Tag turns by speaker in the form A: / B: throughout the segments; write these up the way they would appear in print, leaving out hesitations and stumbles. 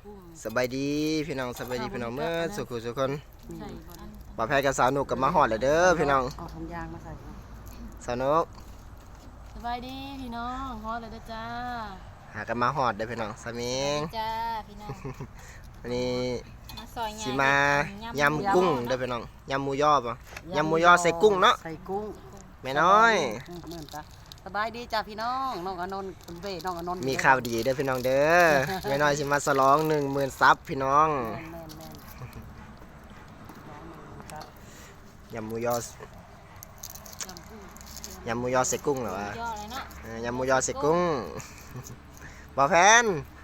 A: สบายดีพี่น้องสบายดีพี่น้องเมื่อสุขุสุขคนบ่าวแพทย์กับสาวนุกกับมาหอดเลยเด้อพี่น้อง
B: เอาถุงยางมาใส่
A: สาวนุก
C: สบายดีพี่น้องฮอดเลยนะจ้า
A: หากันมาหอดเด้อพี่น้องสามิง
C: จ้าพี่น้อง
A: วันนี้
C: สิ
A: มายำกุ้งเด้อพี่น้องยำหมูยอป่ะยำหมูยอใส่กุ้งเนาะ
B: ใส่กุ้ง
A: แม่น้อย
B: เหมือนจ้ะสบายดีจ้าพี่น้องน้องอนนท์คุณเบ้น้องอนนท์
A: มีข่าวดีเด้อพี่น้องเด้อแม่น้อยสิมาฉลอง 10,000 ซับพี่น้องยำหมูยอยำหมูยอใส่กุ้งเหรอวะยำหมูยอใส่กุ้งบ่าวแพน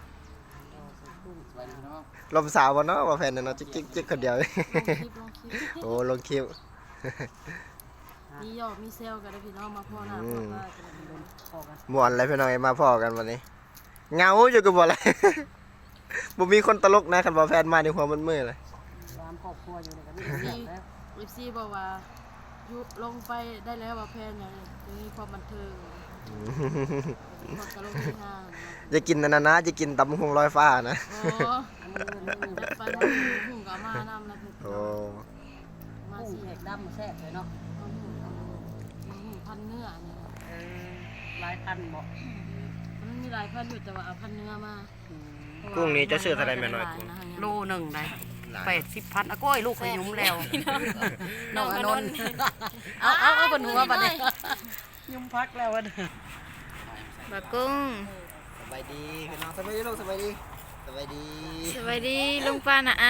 A: ลมสาวบ่เนาะบ่าวแพนเนาะจิ๊กคนเดียวโอ้ลงคลิป
C: มียอดมีเซลกันเลยพี่น้องมาพ่อหน้าพ่อกัน
A: ม่วนเลยพี่น้องมาพ่อกันวันนี้เงาอยู่กับบ่อะไรบ่มีคนตลกนะคันบ่าวแพนมาในหัวมันมืดเลย
B: ร้านครอบครัวอยู่ในกัน
C: นี่ซีบอกว่าลงไปได้แล้วบ่าวแพนอย่างนี้ความบันเทิงความตลกที่ห้าง
A: จะกินนั่นนะจะกินตำหุ่งลอยฟ้านะ
C: โอ้จะไปหุ่งกับมาน้ำนะ
A: โอ้
B: มาสีแหกดำแซ่บเลยเนาะ
C: พันเนื้อเนี่ย
B: หลายพันบอก
C: มันมีหลายพันอยู่แต่ว่าเอาพันเนื้อมา
A: กุ้งนี้จะซื้อเท่าไรแม่น้อย
B: โลหนึ่งได้80,000อ่ะก้อยลูกขยุ้มแล้วน้องอนนท์เอาบนหัวบัดนี้ยุ้มพักแล้ววัน
D: บะกุ้ง
A: สบายดีพี่น้องสบายดีลูกสบายดีสบายดี
D: สบายดีลุงป้านะ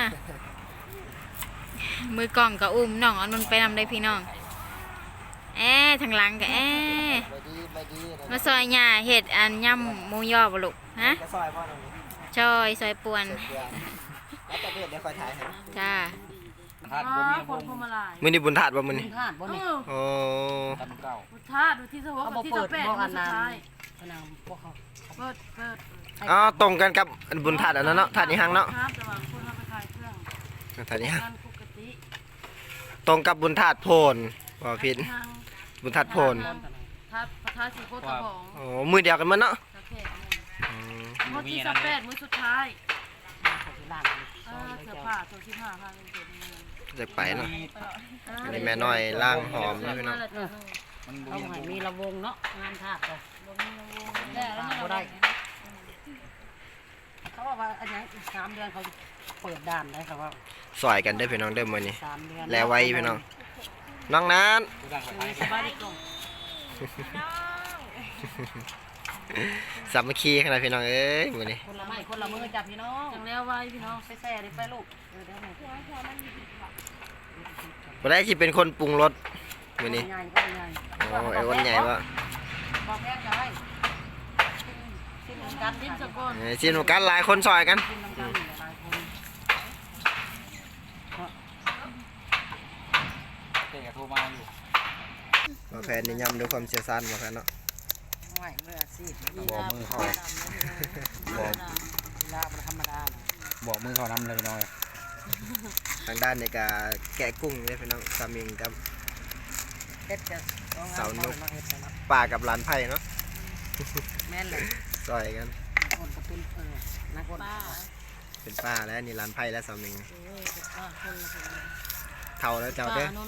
D: มือกล่องกับอุ้มน้องเอานนไปนำได้พี่น้องทางหลังกับมาซอยหญ้าเห็ดอันย่ำหมูยอบ่ลูกฮะซอยป่วน
A: แล้วจะเดี๋ยวคอยถ่ายให้
D: จ้า
C: คนพมาลาย
A: มื้อนี้บุญธาตุบ่มื้อนี้
B: บุญธาตุบ่นี่
A: โอ้
C: บุญธาตุที่สวะที่8มื้อสุดท้าย
B: พวกเขา
C: เปิด
A: อ๋อตรงกันกับบุญธาตุอันนั้นเนาะธาตุนี้หังเนาะ
C: ครับแต่ว่าคนเอาไปขายเครื่อง
A: ธาตุนี้หัง
C: ปกติ
A: ตรงกับบุญธาตุโพนบ่ผิดบุญธาตุโพน
C: ธาตุสีโคตรของ
A: โอ้มื้อเดียวกันมั้งเนาะ
C: มื้อที่8มื้อสุดท้ายเสื้อผ้าตัว15ผ้าเป็นตัว
A: จะไปเนาะอันนี้แม่น้อยล่างหอมนะพี่น้อง
B: เอาให้มีระวงเนาะงานธาตุเลยบ่ได้เขาบอกว่าอันนี้อีก3 เดือนเขาเปิดด่านได้ครับว่า
A: สอยกันได้พี่น้องเด้อมื้อนี้แล้วไว้พี่น้องน้องนั้น
C: สบายดีก่อน
A: สามัคคีขนาดพี่น้องเอ้ยมื้อนี้
B: คนละไม้คนละมือจับพี่น้อง
C: จังแล้วไว้พี่น้อง
B: ไปแซ่ดิไปลูก
A: บ่ได้สิเป็นคนปรุงรสมื้อนี้โอ้ไอ้วันใหญ่บ่
B: บอกแพงได้ชิมกัน
C: ชิมสกุล
A: ชิมกันหลายคนซอยกัน
E: เตะโทรมาอยู่
A: มาแพนนี่ย่ำด้วยความเชี่ยวชาญมาแพนเนาะ
B: ไม่เมื่อสิ
E: บอกมือเขา
B: บอกลาบธรรมดา
E: บอกมือเขานำเลยน้อย
A: ทางด้านในการแกะกุ้งเนี่ยพี่น้องสามิงกับเสานุกป่ากับลานไผ่เนาะ
B: แม่นเลย
A: ซอยกัน
B: คนกระตุ้นนักคน
A: เป็นป้าแล้วนี่ลานไผ่แล้วสามิงเท่าแล้วเจ้าเด้อ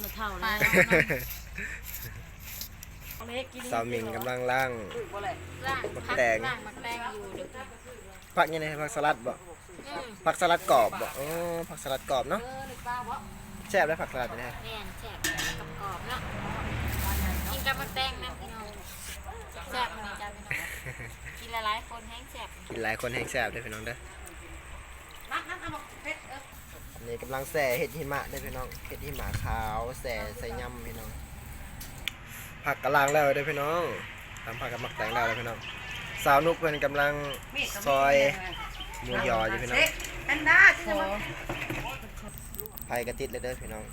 A: สามิงกำลังล่างมักแตงผักยังไงผักสลัดบ่ผักสลัดกรอบบ่อ๋อผักสลัดกรอบเนาะแซ่บได้ผักสลัดนี่ฮะ
D: แม่นแซ่บกรอบเนาะกินกับมักแตงนะพี่น้องแซ่บมันจ้าพี่น้องกินหลายคนแห้งแซ่บ
A: กินหลายคนแห้งแซ่บได้พี่น้องเด้อนี่กำลังแส่เห็ดหิมะได้พี่น้องเห็ดหิมะขาวแส่ใส่ยำพี่น้องผักกะลางแล้วได้พี่น้องทำผักกับมักแตงแล้วพี่น้องสาวนุกเป็นกำลังซอยหมูยออยู่พี่น้องไผ่กระติดเลยเด้อพี่น้อง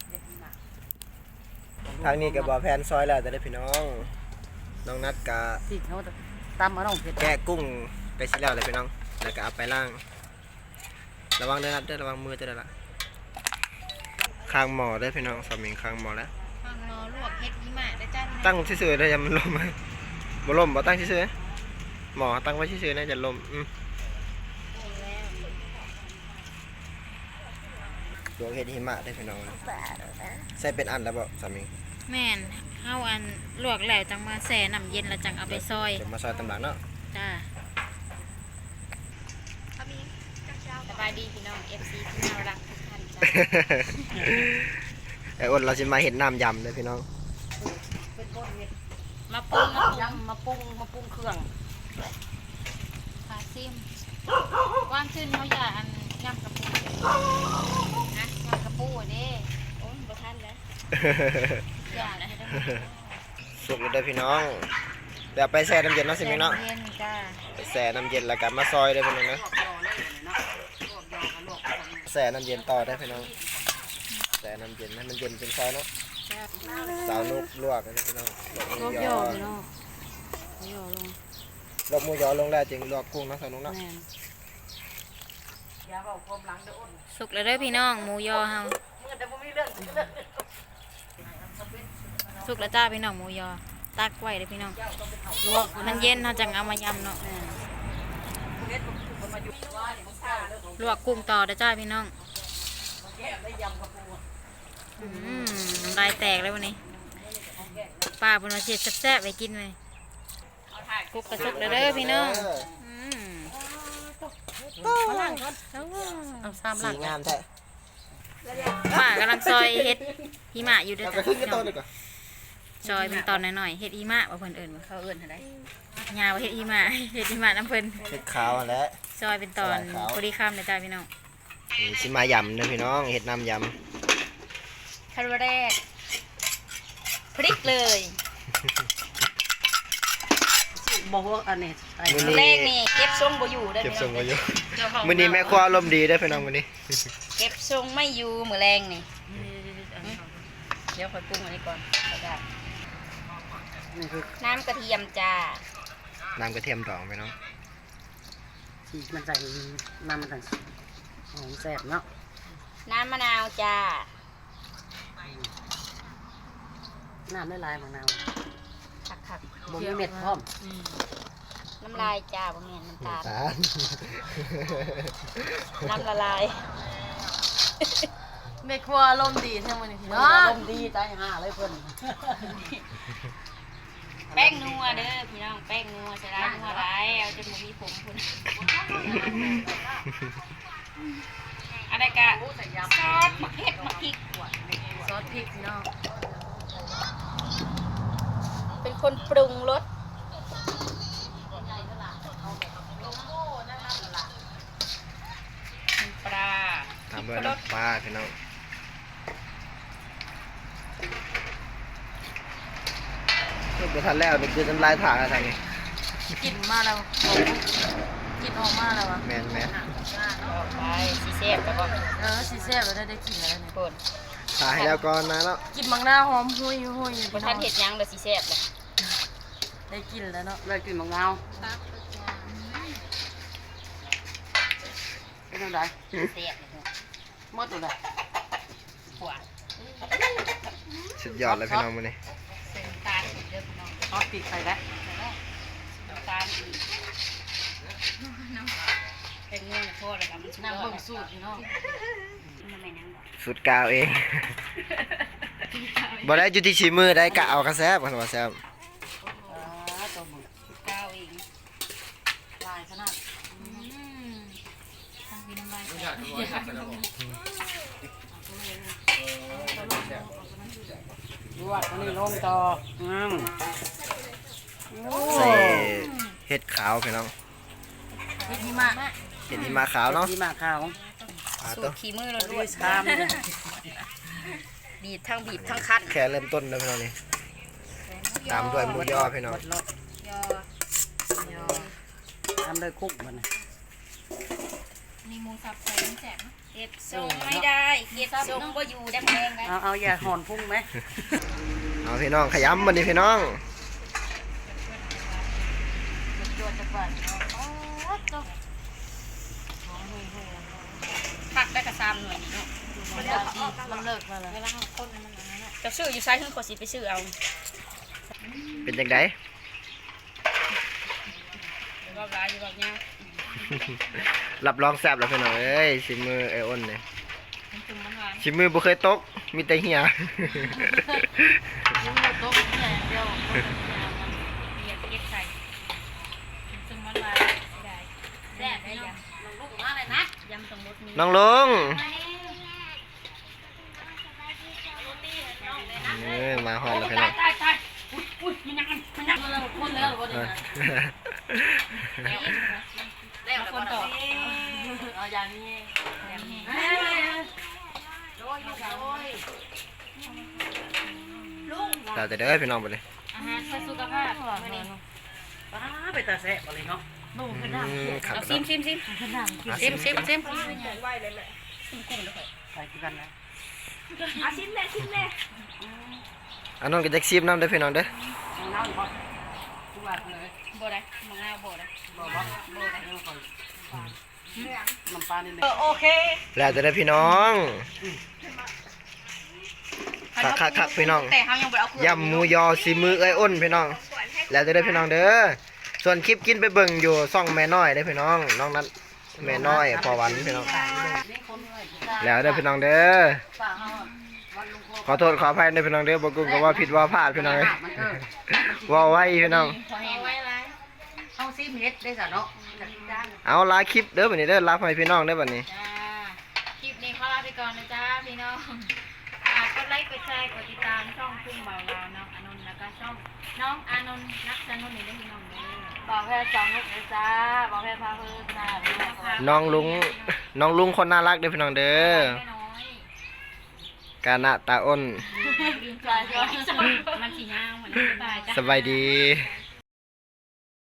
A: ทางนี้กับบอแพนซอยแล้วแต่ได้พี่น้องน้องนัดกะ
B: ตำมาน้อง
A: แกะกุ้งไปชิ้นแล้วเลยพี่น้องแล้วก็เอาไปล่างระวังเด้อนัดเด้อระวังมือจะได้ละข้างหม้อได้พี่น้องสามิงข้างหม้อแล้ว
D: ข้างหม้อลวกเห็ดหิมะได้จ้า
A: ตั้งซื่อๆได้ยังมันล่มไหมบ่ล่มบ่ตั้งซื่อๆหม้อตั้งไว้ซื่อๆน่าจะล่มลวกเห็ดหิมะได้พี่น้องใส่เป็นอันแล้วบ่สามี
D: แม่นเฮาอันลวกแล้วจังมาแช่น้ำเย็นแล้วจังเอาไปซอย
A: เดี๋ยวมาซอยตำหลังเนาะ
D: จ้า
C: สบายดีพี่น้อง FC ที่น่ารักทุกท่านจ้า
A: ไอ้อ้นเราจะมาเห็ดน้ำยำเลยพี่น้อง
B: เป็นคนเฮ็ด
D: มาปรุง
B: ยำมาปรุงเครื่อง
D: ค่ะซิมว่างขึ้นเขาอย่าอันยำกระปูนะยำกระปูเด้
C: โอ้ยบ่ทันแล้ว
D: อย่านะ
A: สุกเลยเด้อพี่น้องเดี๋ยวไปแช่น้ำเย็นเนาะสิมีเนาะ
D: เย็นจ้า
A: ไปแช่น้ำเย็นแล้วกันมาซอยได้พี่น้องนะ
B: ลวกยอเลยเนาะลวกยอกับลวกกัน
A: แช่น้ำเย็นต่อได้พี่น้องแช่น้ำเย็นให้มันเย็นเป็นซอยเนาะสาวนุกลวกนะพี่น้องลวกห
B: ล
A: มู
B: วก
A: ย
B: ย
A: อ
B: อพี่น้องยอลง
A: ลวกหมูยอลงแล้วจึงลวกกุ้งเนาะสาวนุกเนาะ
B: แม่นอย่าเอาความหลังเด้ออ้น
D: สุกแล้วเด้อพี่น้องหมูยอเฮา
B: เมื่อแต่บ่มีเรื่อง
D: สุกแล้วจ้าพี่น้องหมูยอตักไว้เด้อพี่น้อง
B: ลวก
D: มันเย็นเราจังเอามายำเนาะลวกกุ้งต่อเด้อจ้าพี่น้อง
B: แก้ได้ยำกระปู
D: น้ำลายแตกเลยวันนี้ป้าบนมาเช็ดแซ่บๆไปกินเลยกุ๊กกระสุกแล้วเด้อพี่น้อง
B: มาล้างก่อนเอาซ้ำ
A: สี
B: ล้าง
A: งามแท้
D: ป้ากำลังซอยเฮ็ดหิมะอยู่เด้อ
A: เอาไป
D: จ้ะ
A: ขึ้น
D: พี่
A: กัน
D: น้
A: ต้
D: อน ง
A: ดีกว่า
D: ซอยเป็นตอนหน่อยๆเฮ็ดหิมะว่าเพิ่นเอิ้นว่าเขาเอิ้นอะไรยาวว่าเฮ็ดหิมะ เฮ็ดหิมะน้ำเพิ่น
A: เห็ดขาวอันแล้ว
D: ซอยเป็นตอนพอดีคำเลยจ้าพี่น้อง
A: นี่สิมายำเด้อพี่น้องเห็ดน้ำย
C: ขั้นแรกพริกเลย
B: บอกว่าอันนี้ไอ้
A: ำมื้อ
C: แร
A: นี้
C: กนี่เก็บทรงบ่อยู่เด้อ
A: เก็บ
C: พี่
A: ทร
C: น้อง ง
A: ไว้อยู่มื้อนี้แม่ครัวอารมณ์ดีเด้อพี่น้องมื้อนี้
C: เก็บทรงไม่อยู่มื้อแรงนี่เดี๋ยวค่อยปรุงอันนี้ก่อนก็ได้
B: นี่คือ
C: น้ำกระเทียมจ้า
A: น้ำกระเทียมดองพี่น้อง
B: ที่มันใส่น้ำมันต่างหอมแซ่บเนาะ
C: น้ำมะนาวจ้า
B: น้ำได้ลายของน้
C: คัก
B: ำบ่มีเม็ดพร้อม
C: ๆน้ำลายจ้าบ่แม่นน้ำตาล
A: ตาล
C: น้ำละลาย
F: แม่ครัวอารมณ์ดีใช่ไหมนี่พี่
B: มัน
F: น้อ
B: อาง รมณ์ดีใจห่าเลยเพิ่น
C: แป้งนัวเด้อพี่น้องแป้งนัวใส่ร้ายนัวร้ายเอาจนบ่มีผมพุ่นอะไรกะซอสมะเขือมะพริก
F: ซอสพริกพี่น้อง
C: เป็นคนปรุงรสน้ำปลา
A: ตามด้วยน้ำปลาพี่น้องเพิ่งไปทันแล้วนี่คือน้ำลายถ่านอะไรนี่
F: กลิ่นมาแล้วกลิ่นออกมาแล้ววะ
A: แมนแมน
C: ไปสีเซฟแล้วก็
F: สีแซ่บแล้วได้กลิ่นแล้วเนี่ย
C: คน
A: ถ่ายให้แล้วก่อนนะเนาะ
F: กลิ่นบางหน้าหอมหุยหุย
C: พอ
F: พี่น้
C: ท่า
F: อน ง
C: เห็ดหยังเลยสีเซฟเลย
F: ได้กลิ่นแล้วเนาะ
B: ได้กลิ่นมะนาวเป็นจังได
C: เซฟเลย
B: หมดตัวใด
C: ขวด
A: สุดยอดเลยพี่น้องมื้อนี้
C: เส้นตาลอีกเด้อพี่น้อง
B: ซอสพริกใส่แล้ว
C: น้ำตาลอีกเป็นเงินโทษเลยครับมันสุด
F: นั่ง
C: ยอ
F: เบิ่
C: ด
F: งสูตรพี่น้อง
C: มันไม่นั่งหรอก
A: สุดกาวเองบ่ได้จุดที่ชีมือได้กะเอากระแซบกันว่าแซบ
B: ตัวมึง
C: ก้าวเอง
F: ลายขนาด
D: ทั้งพี่น้ำลายแตก
B: ลวกอันนี้ลงต่อ
A: ใส่เห็ดขาวพี่น้อง
F: เฮ็ดหิมะ
A: เห็ดหิมะขาวเนาะ
B: ที่มาขาว
A: อ่า
C: สู
A: ตัว
C: ตรขี้มือเรา
B: ด้
C: ด้
B: ว
C: วย ย
B: ชาม
C: บีบทั้งคั้น
A: แค่เริ่มต้นนะพี่น้องนี่ตามด้วยหมูยอพี่น้อง
B: หมดรส
C: ยอ
B: ทำด้วยคุกมัน
D: มีหมูสับใส่น้ำแซ่บ
C: เก็บทรงไม่ได้เก็บทรงก็อยู่แดงๆนะ
B: เอาอย่าห่อนพุ่งไหม
A: เอาพี่น้องขยำมันดิพี่น้อง
C: ผักได้กระซามหน่อยเนาะ
F: มันเลิกมาแล้ว
C: จะซื้ออยู่ซ้ายขึ้นขอสิไปซื้อเอา
A: เป็นจังได
C: รอบร้ายอยู่รอบเนี้ย
A: รับรองแซ่บแล้วพี่น้องเอ้ยชิมมือไอ้อ้นเนี่ย
C: มันจุ่มมันหวาน
A: ชิมือบ่เคยตกมีแต่เหี่ย
C: ยิ้มโต๊ะแค่เดียว
D: เหยียบเก็บใส่ซึมมันมาได้แซ่บได้ยัง
B: ลูกมาเลยนะ
D: ยำตรงรถมี
A: น้องลุงมาหอดแล้วพี่น้อง
B: อุ้ยมันยังแล้วคนแล้วบ่ได้นะแล้วคนต่อเอาอย่างนี้โอ้ยโอ้ย
A: เราจะเด้อพี่น้องไปเลย
D: อาหารเพื่อสุขภาพมื้อนี้
B: ป้าไปตาแซ่บอะไรเนาะ
A: ขับ
D: เอา
A: เนาะ
D: ซิม
B: ซิมไปกันนะ
A: อันนั้นก็จะซีมน้ำเด้อพี่น้องเด้อ
B: น้ำบ่ทุกวันเลย
D: บ่ได้มะนาวบ่ได้
B: บ่ได้น้ำปลานี่โอเค
A: แล้วจะได้อพี่น้องคักพี่น้อง
B: แต่เฮายังบ่เอา
A: ยำหมูยอซีมือเอ้ยอ้นพี่น้อง แล้วจะได้อพี่น้องเด้อส่วนคลิปกินไปเบิ่งอยู่ซ่องแม่น้อยได้อพี่น้องน้องนั้นแม่น้อยพอวันพี่น้องแล้วได้อพี่น้องเด้อขอโทษขออภัยในพี่น้องเด้อบ่กุ้งก็ว่าผิดว่าพลาดพี่น้องเอ้ยว่าไว้พี่น้อง
D: พอแห้งไว้หลาย
B: เฮาซิมเฮ็ดได้ซะเนาะ
A: เอาลาคลิปเด้อบัดนี้เด้อลาให้พี่น้องเด้อบัดนี้
D: จ้าคลิปนี้ขอลาไปก่อนนะจ้าพี่น้องกดไลค์กดแชร์กดติดตามช่องพุ่งเบาลาวน้องอานนท์แล้วก็ช่องน้องอานนท์นักสนุนนี่ได้พี่น้องเด้อ
C: บอกแค่สองนกเลยจ้าบอกแค่พาเพิ่นจ้า
A: น้องลุงคนน่ารักเด้อพี่น้องเด้อ
D: แม่น้อย
A: กานะตาอ้น
C: จ้าจ้า
D: มันสียาวเหมือนกันตายจ้ะ
A: สบายดี
D: ส